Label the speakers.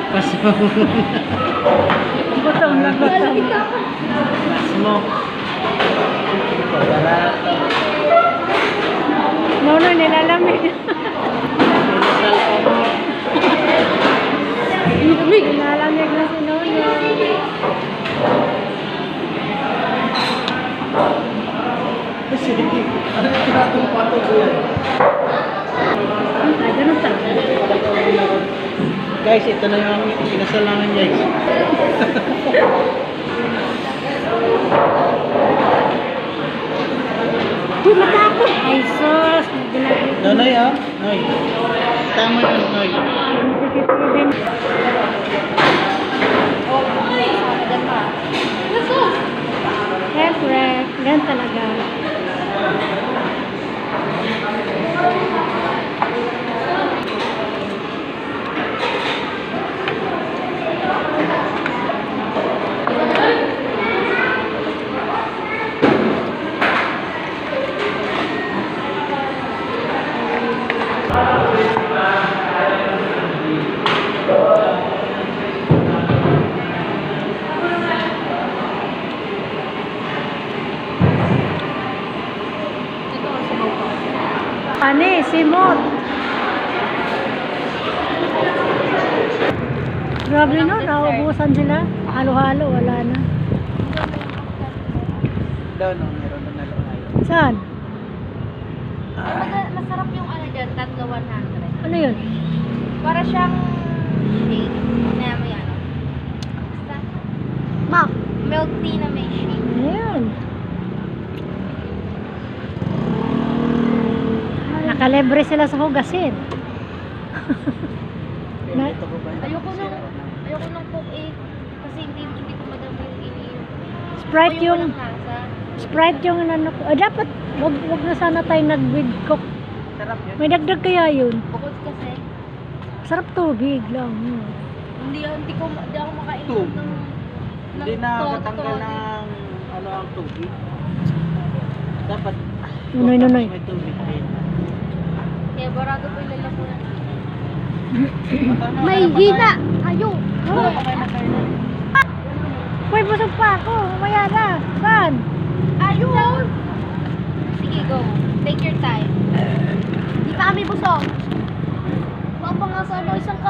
Speaker 1: Pasmo.
Speaker 2: Butong na butong.
Speaker 1: Pasmo. Wala.
Speaker 2: Nono, nilalamig.
Speaker 1: Pinasal ko mo.
Speaker 2: Nilalamig na si Nono.
Speaker 1: Sige. Ano yung tinatong-pato ko yan?
Speaker 2: Ay, ganun talaga.
Speaker 1: Guys, ito na yung pinasal namin, guys.
Speaker 2: Uy, matakot! Ay, sus!
Speaker 1: Noy, ah. Noy. Tama yun, Noy.
Speaker 2: Siyempre, ganun talaga. Ani, simot. Grabe no, naubusan sila. Halo-halo, wala na.
Speaker 1: Daw, no. Meron na nalunay.
Speaker 2: Saan?
Speaker 3: Masarap yung ano dyan, tatlo 100.
Speaker 2: Ano yun?
Speaker 3: Para siyang shake na may ano. Basta, milk tea na may shake.
Speaker 2: Ayan. Nakalebre sila sa hugasin.
Speaker 1: Ito ko ba?
Speaker 3: Ayoko nung coke eh. Kasi hindi ko madami yung iniinom.
Speaker 2: Sprite yung
Speaker 3: walang lasa.
Speaker 2: Sprite yung ano ko. Dapat wag na sana tayo nag-with coke.
Speaker 1: Sarap yun.
Speaker 2: May dagdag kaya yun.
Speaker 3: Bukod kasi,
Speaker 2: Sarap tubig lang.
Speaker 3: hindi ako makain
Speaker 1: Tubig.
Speaker 3: ng
Speaker 1: Hindi na
Speaker 3: todo.
Speaker 1: matanggal ng ano ang tubig. Dapat
Speaker 2: Nunoy.
Speaker 1: may tubig din.
Speaker 3: Kaya barado po yung lalamunan.
Speaker 1: May hina!
Speaker 3: Ayo!
Speaker 2: Uy, busog pa ako. Mamaya na. Saan?
Speaker 3: Ayun! Sige, go. Take your time. Di pa kami busog. Mapa nga sa isang